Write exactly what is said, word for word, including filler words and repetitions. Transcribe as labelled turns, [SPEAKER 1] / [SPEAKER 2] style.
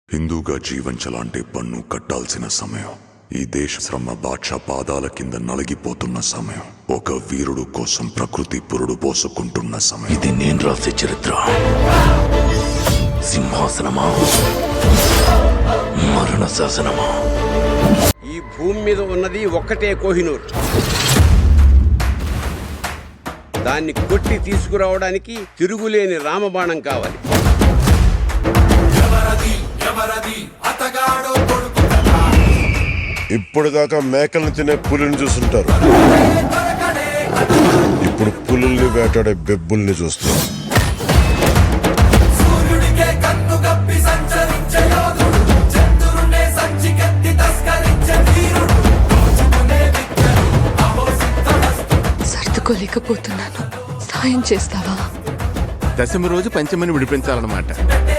[SPEAKER 1] హిందూగా జీవించాలంటే పన్ను కట్టాల్సిన సమయం. ఈ దేశ శ్రమ బాద్షా పాదాల కింద నలిగిపోతున్న సమయం. ఒక వీరుడు కోసం ప్రకృతి పురుడు పోసుకుంటున్న సమయం.
[SPEAKER 2] ఇది నేను రాసే చరిత్ర. సింహాసనమా, మరణ శాసనమా?
[SPEAKER 3] ఈ భూమి మీద ఉన్నది ఒక్కటే కోహినూర్. దాన్ని కొట్టి తీసుకురావడానికి తిరుగులేని రామబాణం కావాలి.
[SPEAKER 4] ఇప్పుడు దాకా మేకల్ని తినే పులిని చూస్తుంటారు, ఇప్పుడు పులుల్ని వేటాడే బెబ్బుల్ని చూస్తారు.
[SPEAKER 5] సర్దుకోలేకపోతున్నాను, సాయం చేస్తావా?
[SPEAKER 6] దశమి రోజు పంచమని విడిపించాలన్నమాట.